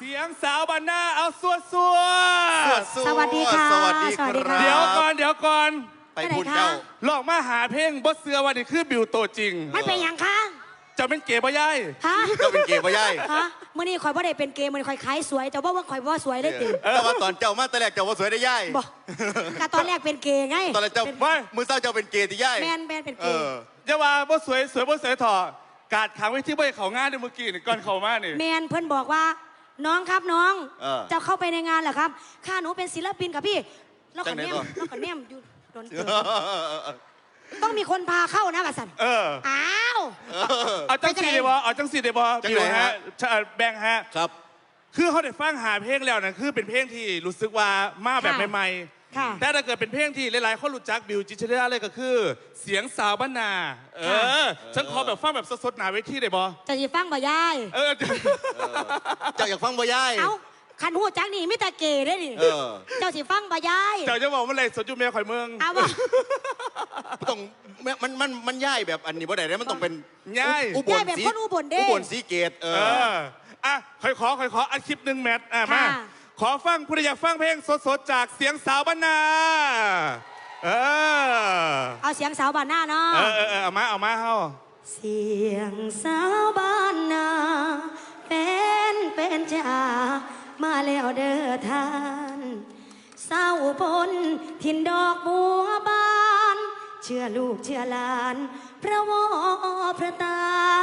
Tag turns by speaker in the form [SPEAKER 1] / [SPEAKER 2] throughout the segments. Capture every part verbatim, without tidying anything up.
[SPEAKER 1] เสียงสาวบ้านนาเอาสวดสวด
[SPEAKER 2] สวัสดีค่ะ
[SPEAKER 3] สวัสดีค
[SPEAKER 2] สวัสดี
[SPEAKER 3] รั
[SPEAKER 2] ค่ะ
[SPEAKER 1] เดี๋ยว
[SPEAKER 3] บ
[SPEAKER 1] ก่อนเดี๋ยวก่อน
[SPEAKER 3] ไปพูดเจ้า
[SPEAKER 1] ลองมาหาเพลงบดเสือวันนี้คือบิวโตจริง
[SPEAKER 2] มันเป็นอย่างคะ
[SPEAKER 1] จะเป็นเก๋บ่ย่าย
[SPEAKER 2] ฮะ
[SPEAKER 3] เจ้าเป็นเกย์ปะย่าย
[SPEAKER 2] ฮะมื่อนี้ข่อยว่าได้เป็นเกย์มันข่อยขายสวยแต่ว่าว่าข่อยว่าสวยได้ติ
[SPEAKER 3] แต่ว่าตอนเจ้ามาแต่แรกเจ้าว่าสวยได้ย่าย
[SPEAKER 2] บอกแต่ตอนแรกเป็นเกย์ไง
[SPEAKER 3] ตอนแรกเจ้า
[SPEAKER 2] เป็น
[SPEAKER 1] ไม่
[SPEAKER 3] มือเศร้าเจ้าเป็นเกย์ที่ย่าย
[SPEAKER 2] แมนแมนเป็น
[SPEAKER 3] เอ
[SPEAKER 2] เกย์
[SPEAKER 3] อ
[SPEAKER 1] จะว่าบ่สวยสวยบ่สวยถอดกาดขังไว้ที่บ่ให้เขาง่ายในเมื่อกี้นี่ก่อนเขามานี่
[SPEAKER 2] แมนเพื่อนบอกว่าน้องครับน้อง
[SPEAKER 3] เออ
[SPEAKER 2] จะเข้าไปในงานเหรอครับข้าหนูเป็นศิลปินครับพี่แล้ว
[SPEAKER 3] จั
[SPEAKER 2] ก็
[SPEAKER 3] งไหน
[SPEAKER 2] เนียม
[SPEAKER 3] ก่อน
[SPEAKER 2] แล้วก็เนียมอยู่โดนเตือนต้องมีคนพาเข้านะบัดสัน
[SPEAKER 1] เออ
[SPEAKER 2] อ้าว
[SPEAKER 1] เอาจังสีเดบอเอาจังสีเดบอ
[SPEAKER 3] จัง
[SPEAKER 1] บิ
[SPEAKER 3] ไห
[SPEAKER 1] วน ฮะ
[SPEAKER 3] ฮะ
[SPEAKER 1] ชะแบงค์ฮะ
[SPEAKER 3] ครับ
[SPEAKER 1] คือเขาได้ฟังหาเพลงแล้วนะคือเป็นเพลงที่รู้สึกว่ามาแบบใหม่
[SPEAKER 2] ค่ะ
[SPEAKER 1] ๆแต่ถ้าเกิดเป็นเพลงที่หลายๆคนรู้จักบิวจิตรเดาเลยก็คือ เสียงสาวบ้านนา เออ ฉันขอแบบฟังแบบสดๆหนาเวทีได้บอ
[SPEAKER 2] จะยีฟังบ่ยาย
[SPEAKER 1] เออ
[SPEAKER 3] เจ้าอยากฟังปะย่าย
[SPEAKER 2] เอ้าคันหูจักนี่มิตาเกย์ได้ดิ
[SPEAKER 3] เออ
[SPEAKER 2] เจ้าสิฟังบ่ยาย
[SPEAKER 1] เจ้าจะบอกว่าอะไรสดจุเมียข่อยเมือง
[SPEAKER 2] เอาบ่
[SPEAKER 3] ต้องมันมันมันย่ายแบบอันนี้บ่ได้มันต้องเป็น
[SPEAKER 1] ย่าย
[SPEAKER 3] อุบล
[SPEAKER 2] ย่ายแบบ
[SPEAKER 3] สี
[SPEAKER 2] คนอุบลเด้
[SPEAKER 3] อุบลสีเกตเอ
[SPEAKER 1] เอ
[SPEAKER 3] อ
[SPEAKER 1] อ อ่ะข่อยขอข่อยขออัดคลิปหนึ่งแมทอ่ะมา
[SPEAKER 2] ค่ะ
[SPEAKER 1] ขอฟังผู้ใดอยากฟังเพลงสดๆจากเสียงสาวบ้านนา เออ
[SPEAKER 2] เอาเสียงสาวบ้านหน้าเนาะ
[SPEAKER 1] เออเออเออเอามาเอามาเฮา
[SPEAKER 2] เสียงสาวบ้านนาเป็นเป็นจ่ามาแล้วเด้อท่านเศร้าพลทินดอกบัวบานเชื่อลูกเชื่อหลานพระวอพระตา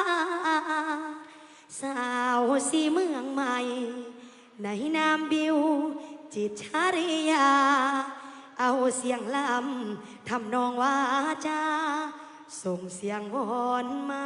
[SPEAKER 2] สาวสีเมืองใหม่ในนามบิวจิตรชาริยา เอาเสียงลำทำนองว่าจาส่งเสียงวอนมา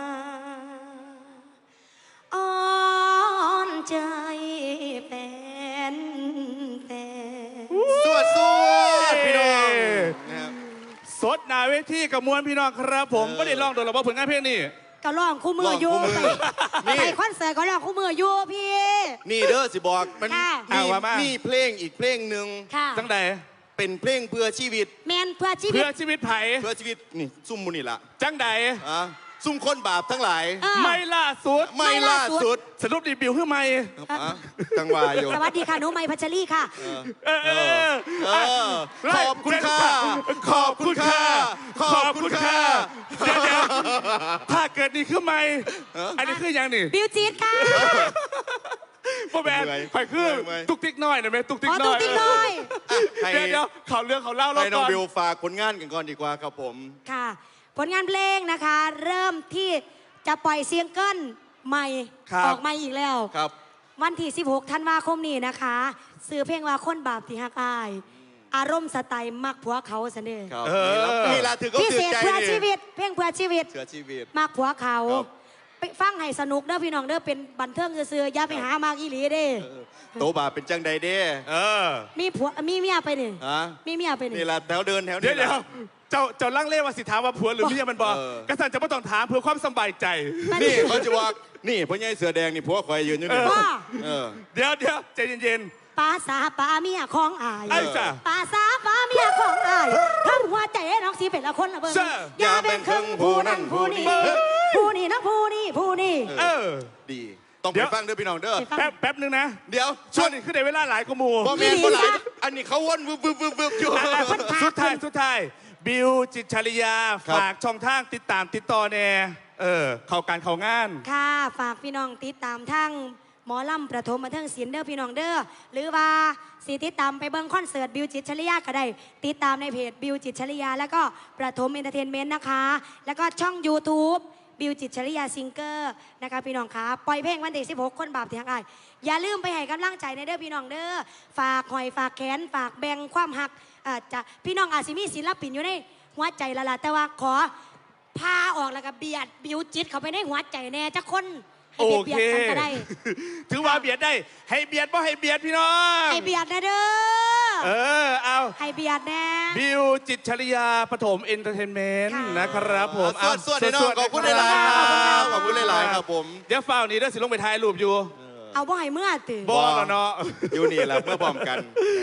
[SPEAKER 2] อ่อนใจเป็นแฟน
[SPEAKER 3] สวดสวดพี่น้องนะครับ
[SPEAKER 1] สดหนาเวทีกับมวลพี่น้องครับผม
[SPEAKER 3] เออ
[SPEAKER 1] ไม่ได้ร้องโดนหรอกว่าผลงานเพลงนี่
[SPEAKER 2] ก็ร้องคู่มืออยู่
[SPEAKER 3] ร้องคู่มื
[SPEAKER 2] ไป
[SPEAKER 3] อนี่
[SPEAKER 2] ไปคอนเสิร์ตก็ร้องคู่มืออยู่พี่
[SPEAKER 3] นี่เด้อสิบอกมัน
[SPEAKER 2] ค่ะ
[SPEAKER 3] มี
[SPEAKER 1] เอาว่ามามี
[SPEAKER 3] มีเพลงอีกเพลงหนึ่ง
[SPEAKER 2] ค่ะ
[SPEAKER 1] จังใด
[SPEAKER 3] เป็นเพลงเพื่อชีวิต
[SPEAKER 2] แมนเพื่อชีวิ
[SPEAKER 1] เพื่
[SPEAKER 2] ต
[SPEAKER 1] อชีวิตไผ่
[SPEAKER 3] เพื่อชีวิตนี่ซุ่มมุนี่ละ
[SPEAKER 1] จังใด
[SPEAKER 3] อ่ะซุ่มคนบาปทั้งหลาย
[SPEAKER 2] เออ
[SPEAKER 1] ไม่ล่าสุด
[SPEAKER 3] ไม่ล่าสุด
[SPEAKER 1] สรุปดีบิวขึ้นไหม
[SPEAKER 3] อ่ะจังหวะอยู่
[SPEAKER 2] สวัสดีค่ะหนูไมค์พัชรีค่ะ
[SPEAKER 1] เออเออ
[SPEAKER 3] เออขอบคุณค่ะ
[SPEAKER 1] ขอบคุณค่ะ ขอบคุณค่ะเดี๋ยวเดี๋ยวถ้าเกิดนี่ขึ้นไหมอันนี้คือยังนี่
[SPEAKER 2] บิวจีดค่ะ
[SPEAKER 1] พ่อแม่
[SPEAKER 3] เหนื่อย
[SPEAKER 1] ไผ่คือ
[SPEAKER 3] เหนื่อย
[SPEAKER 1] ตุกติ๊กน้อยนะแม่ตุกติ๊
[SPEAKER 2] ข
[SPEAKER 1] ก
[SPEAKER 2] อ
[SPEAKER 1] น้
[SPEAKER 2] ตุ้
[SPEAKER 1] อง ย
[SPEAKER 2] ติ๊กหน่อย
[SPEAKER 3] ให้
[SPEAKER 1] เดี๋ยวเดี๋ยวเขาเรื่องเขาเล่าเรา
[SPEAKER 3] ให้น้อ
[SPEAKER 1] ก่
[SPEAKER 3] ง
[SPEAKER 1] อน
[SPEAKER 3] บิวฝากผลงานกันก่อนดีกว่าครับผม
[SPEAKER 2] ค่ะ ผลงานเพลงนะคะ เริ่มที่จะปล่อยซิงเกิลใหม่
[SPEAKER 1] ครับ
[SPEAKER 2] ออกมาอีกแล้ว
[SPEAKER 3] ครับ
[SPEAKER 2] วันที่ สิบหก ธันวาคมนี้นะคะซื้อเพลงว่าคนบาปที่ฮักอาย อารมณ์สไตล์มักผัวเขาเสนอ
[SPEAKER 3] ครับ
[SPEAKER 1] เออ
[SPEAKER 3] นี่ละถือก็
[SPEAKER 2] พิ
[SPEAKER 3] ถื
[SPEAKER 2] เศ
[SPEAKER 3] อ
[SPEAKER 2] ษ
[SPEAKER 3] ใจ
[SPEAKER 2] เพื่อ
[SPEAKER 3] นี่
[SPEAKER 2] ชีวิต เพลงเพื่อชีวิต
[SPEAKER 3] เสือชีวิต
[SPEAKER 2] มักผัวเขา
[SPEAKER 3] ครับ
[SPEAKER 2] ไปฟังให้สนุกเด้อพี่น้องเด้อเป็นบันเทิงซื่อๆอย่าไปหามากอีหลีเด้
[SPEAKER 3] เออโตบาปเป็นจังใดเด้
[SPEAKER 1] เออ
[SPEAKER 2] มีผัวมีเมียไปนี่
[SPEAKER 3] ฮะ
[SPEAKER 2] มีเมียไปนี่
[SPEAKER 3] นี่ละแถวเดินแถว
[SPEAKER 1] เดี๋ยว
[SPEAKER 3] นี้
[SPEAKER 1] เดี๋ยว
[SPEAKER 3] ละ
[SPEAKER 1] เจ้าเจ้าลังเล่ว่าสิถามว่าผัวหรือเมียมันบอก
[SPEAKER 3] เออ
[SPEAKER 1] กษัตริย์จะไม่ต้องถามเพื่อความสบายใจ
[SPEAKER 3] นี่เขาจะว่านี่พ่อใหญ่เสือแดงนี่ผัวคอยยืนอยู่นี่
[SPEAKER 1] เออ
[SPEAKER 2] ว่า
[SPEAKER 3] เออ
[SPEAKER 1] เดี๋ยวเดี๋ยวใจเย็น
[SPEAKER 2] ปลาสาปลาเมียของอาย
[SPEAKER 1] ๆไอ้จ้ะ
[SPEAKER 2] ปลาสาปลาเมียของอายทั้งหัวใจน้องสีเป็นละคนละเบิ่ง
[SPEAKER 1] เจ้า
[SPEAKER 2] อย่าเป็นครึ่งผู้นั่นผู้นี้ผู้นี้นะผู้นี้ผู้นี้
[SPEAKER 1] เออ
[SPEAKER 3] ดี ต้อง
[SPEAKER 1] เดี๋
[SPEAKER 3] ไป
[SPEAKER 1] ยว
[SPEAKER 3] ฟังเด้อพี่น้องเด้อ
[SPEAKER 2] ไปฟัง
[SPEAKER 1] แป๊บแป๊บนึงนะ
[SPEAKER 3] เดี๋ยว
[SPEAKER 1] ช่วงนี้คือในเวลาหลายกว่าหมู
[SPEAKER 3] พ่อแม่
[SPEAKER 2] อีหลี
[SPEAKER 3] คนหลาย
[SPEAKER 2] จ้ะ
[SPEAKER 3] อันนี้เขาวนวึบวึบวึบวึบอยู่
[SPEAKER 1] อ่ะอ่ะ
[SPEAKER 2] คนพา
[SPEAKER 1] สุดท้ายสุดท้ายบิวจิตรชริยา
[SPEAKER 3] ครับ
[SPEAKER 1] ฝากช่องทางติดตามติดต่อแน่เออ เข้าการเข้างาน
[SPEAKER 2] ค่ะฝากพี่น้องติดตามทั้งหมอลำประถมบันเทิงศิลป์เด้อพี่น้องเด้อหรือว่าสีติดตามไปเบิ้งคอนเสิร์ตบิวจิตรชริยาก็ได้ติดตามในเพจบิวจิตรชริยาแล้วก็ประถมเอนเตอร์เทนเมนต์นะคะ แล้วก็ช่อง YouTube บิวจิตรชริยาซิงเกอร์นะคะพี่น้องคะปล่อยเพลงวันที่สิบหกคนบาปที่ฮักอายอย่าลืมไปให้กำลังใจในเด้อพี่น้องเด้อฝากหอยฝากแขนฝากแบ่งความหักอาจจะพี่น้องอาจสิมีศิลปินอยู่ในหัวใจละล่ะแต่ว่าขอพาออกแล้วก็เบียดบิวจิตเข้าไปในหัวใจแน่จักคนให้
[SPEAKER 1] โอ
[SPEAKER 2] ไปเบี
[SPEAKER 1] เค
[SPEAKER 2] ยดกันก็ได้
[SPEAKER 1] ถือว่าเบียดได้ ให้เบียดบ่ให้เบียดพี่น้อง
[SPEAKER 2] ให้เบียดนะเด้อ
[SPEAKER 1] เออ เอา
[SPEAKER 2] ให้เบียดแน่
[SPEAKER 1] บิวจิตรชริยาปฐมเอนเตอร์เทนเมนต์
[SPEAKER 2] ค่ะ
[SPEAKER 1] นะครับผม
[SPEAKER 3] สวดสวดให้น้องขอบคุณหลายๆครับขอบคุณหลายๆครับผม
[SPEAKER 1] เดี๋ยวฝ้าวนี้เด้อสิลงไปถ่ายรูปอยู่
[SPEAKER 2] เอาบ่ให้เมื่อตื่น
[SPEAKER 1] บอแล้วเนาะ
[SPEAKER 3] อยู่นี่แหละเมื่อพร้อมกัน